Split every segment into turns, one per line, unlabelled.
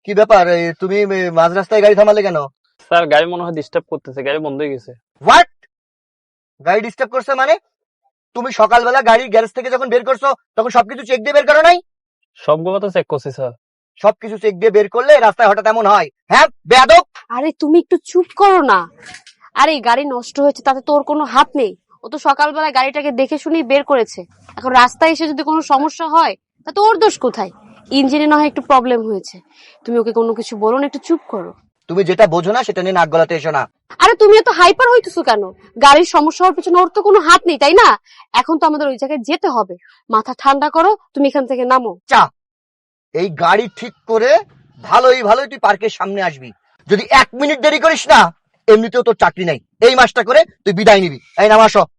কি ব্যাপার, তুমি মাঝ রাস্তায় গাড়ি থামালে কেন?
স্যার গাড়ি মনে হয় ডিস্টার্ব করতেছে, গাড়ি বন্ধ হয়ে গেছে।
হোয়াট? গাড়ি ডিস্টার্ব করছে মানে? তুমি সকালবেলা গাড়ির গ্যারেজ থেকে যখন বের করছো তখন সবকিছু চেক দিয়ে বের করো নাই?
সবগুলো তো চেক করছি স্যার।
সবকিছু চেক দিয়ে বের করলে রাস্তায় হঠাৎ এমন হয়? হ্যাঁ বেয়াদব।
আরে তুমি একটু চুপ করো না। আরে গাড়ি নষ্ট হয়েছে তাতে তোর কোনো হাত নেই। ও তো সকালবেলা গাড়িটাকে দেখে শুনেই বের করেছে। এখন রাস্তায় এসে যদি কোনো সমস্যা হয় তাতে ওর দোষ কোথায়? ইঞ্জিনে না হয় একটু প্রবলেম হয়েছে, তুমি ওকে কোনো কিছু বলো না, একটু চুপ করো।
তুমি যেটা বোঝো না সেটা নিয়ে নাক গলাতে এসো না।
আরে তুমি এত হাইপার হইতেছো কেন? গাড়ির সমস্যা হওয়ার পেছনে ওর তো কোনো হাত নেই, তাই না? এখন তো আমাদের ওই জায়গায় যেতে হবে। মাথা ঠান্ডা করো, তুমি এখান থেকে নামো।
চা, এই গাড়ি ঠিক করে ভালোই তুই পার্কের সামনে আসবি। যদি 1 মিনিট দেরি করিস না, এমনিতেও তোর চাকরি নাই, এই মাসটা করে তুই বিদায় নিবি। এই নাম আসো।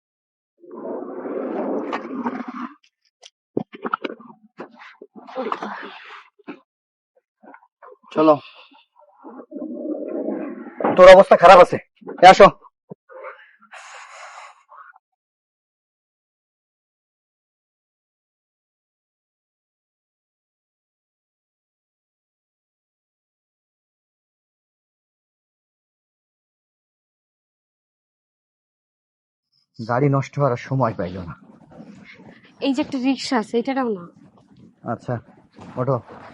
চলো, তোর অবস্থা খারাপ আছে, আসো। গাড়ি নষ্ট হওয়ার আর সময় পাইল না।
এই যে একটা রিক্সা আছে, এটা নাও না।
আচ্ছা, ওঠো।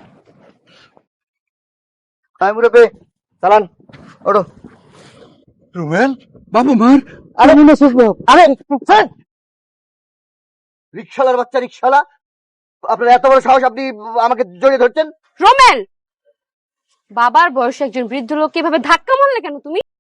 তাই মুরব্বি, চালান, ওঠো।
রুবেল, বাবু মার।
আরে আরে স্যার, রিক্সালার বাচ্চা রিক্সালা, আপনার এত বড় সাহস, আপনি আমাকে জড়িয়ে ধরছেন?
রোমেল, বাবার বয়সে একজন বৃদ্ধ লোককে এভাবে ধাক্কা মারলে কেন তুমি?